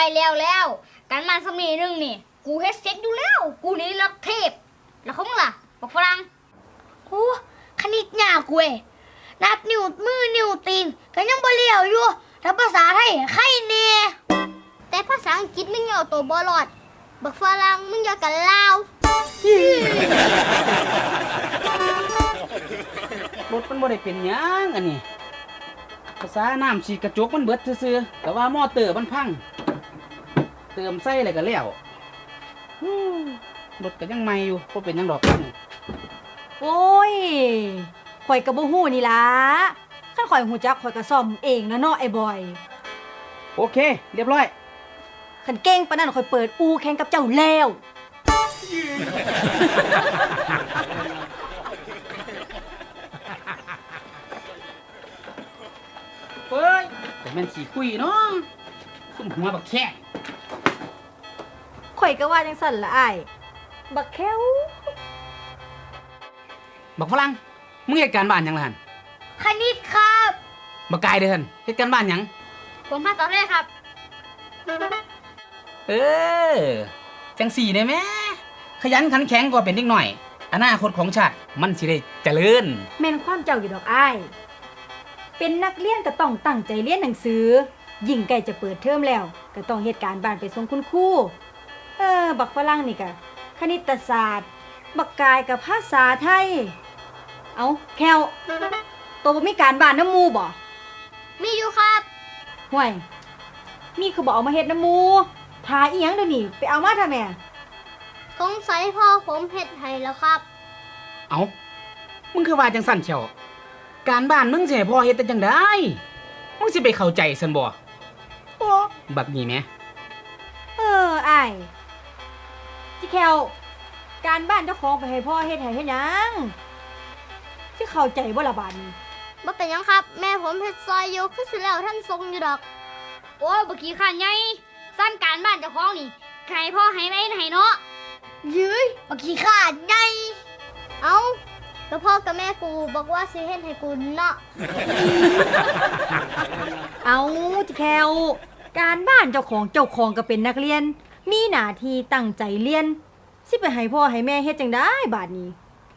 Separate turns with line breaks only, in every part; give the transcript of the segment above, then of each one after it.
แล้วการมาสมีนึงนี่กูเฮ็ดเสร็จอยู่แล้วกูนี่ระดับเทพแล้วเขามึงล่ะบอกฝรั่ง
โอ้คณิตยากเว้ยนับนิ้วมือนิ้วตีนก็ยังบ่เลี้ยวอยู่ถ้าภาษาไทยใครแน่
แต่ภาษาอังกฤษมึงอย่าเอาตัวบ่รอดบักฝรั่งมึงอย่ากันลาว
รถมันบ่ได้เป็นหยังอันนี้ภาษาน้ำฉีดกระจกมันเบิดซื่อๆแต่ว่ามอเตอร์มันพังเติมใส่อะไรก็แล้วรถก็ยังใหม่อยู่บ่เป็นหยังดอก
โอ้ยข่อยก็บ่ฮู้นี่ล่ะคันข่อยฮู้จักข่อยก็ซ่อมเองนะเนาะไอ้บอย
โอเคเรียบร้อย
คันเก่งปานนั้นข่อยเปิดอู่แข่งกับเจ้าแล้ว
เฮ้ยแต่แม่นขี้คุยเนาะซุ่มหัวบักแค่
ข่อยก็ว่าจังซั่นล่ะอ้ายบักแค้ว
บักฝรั่งมึงเหตุการณ์บ้านหยังล่ะหั่น
คณิตครับ
บักกายเด้อหั่นเหตุการณ์บ้านหยัง
ผมมาตอนแรกครับ
จังสี่ได้แม่ขยันขันแข็งกว่าเป็นเด็กหน่อยอนาคตของชาติมันสิได้เจริญ
แม่นความเจ้าอยู่ดอกอ้ายเป็นนักเรียนก็ต้องตั้งใจเรียนหนังสือยิ่งใกล้จะเปิดเทอมแล้วก็ต้องเหตุการณ์บ้านไปส่งคุณครูบักฝรั่งนี่ก็คณิตศาสตร์บักกายกับภาษาไทยเอาแควตัวบ่มีการบ้านน้ำมูบ่
มีอยู่ครับ
ห่วยมีคือบ่เอามาเฮ็ดน้ำมูทาอีหยังเดี๋ยวนี้ไปเอามาทำแม่
สงสัยพ่อผมเฮ็ดให้แล้วครับ
เอามึงคือว่าจังสั่นเชียวการบ้านมึงสิให้พ่อเฮ็ดแต่จังได๋มึงสิไปเข้าใจซั่นบ่โอ้บักนี่แหม
อ้ายจิแควการบ้านเจ้าของไปให้พ่อเฮ็ดให้เฮ็ดหยังสิเข้าใจบ่ล่ะบาดนี้
บ่เป็นหยังครับแม่ผมเฮ็ดซอยอยู่คือสิแล้วท่านทรงอยู่ดอกโอ้ยบ่ขี้ข้านใหญ่สั่นการบ้านเจ้าของนี่ให้พ่อให้แม่ให้เนาะ
ยื้ยบ่ขี้ข้านใหญ่
เอ้าแล้วพ่อกับแม่กูบอกว่าสิเฮ็ดให้กูเนาะ
เอาจิแควการบ้านเจ้าของก็เป็นนักเรียนมีหน้าที่ตั้งใจเรียนสิไปให้พ่อให้แม่เฮ็ดจังได๋บาดนี้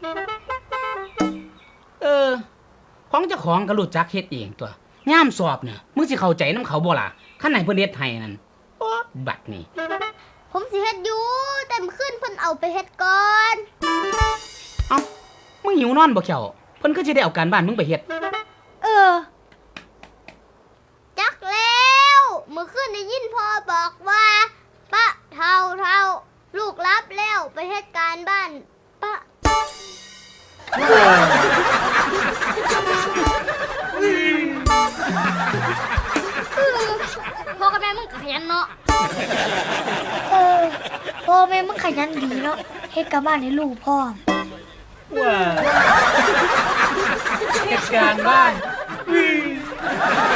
ของเจ้าของก็รู้จักเฮ็ดเองตัวยามสอบเนี่ยมึงสิเข้าใจนำเขาบ่ล่ะคันไหนเพิ่นเฮ็ดให้นั่นโอ๊บัดนี้
ผมสิเฮ็ดอยู่แต่มื้อคืนเพิ่นเอาไปเฮ็ดก่อน
เอ้ามึงหิวนอนบ่เขียวเพิ่นก็สิได้เอาการบ้านมึงไปเฮ็ด
จักแล้วมื้อคืนได้ยินพ่อบอกว่าปะเฒ่าลูกรับแล้วไปเฮ็ดการบ้านปะพ่อกับแม่มึงขยันเนาะ
พ่อแม่มึงขยันดีเนาะเฮ็ดการบ้านให้ลูกพ่อ
ว้าเหตุการณ์บ้าน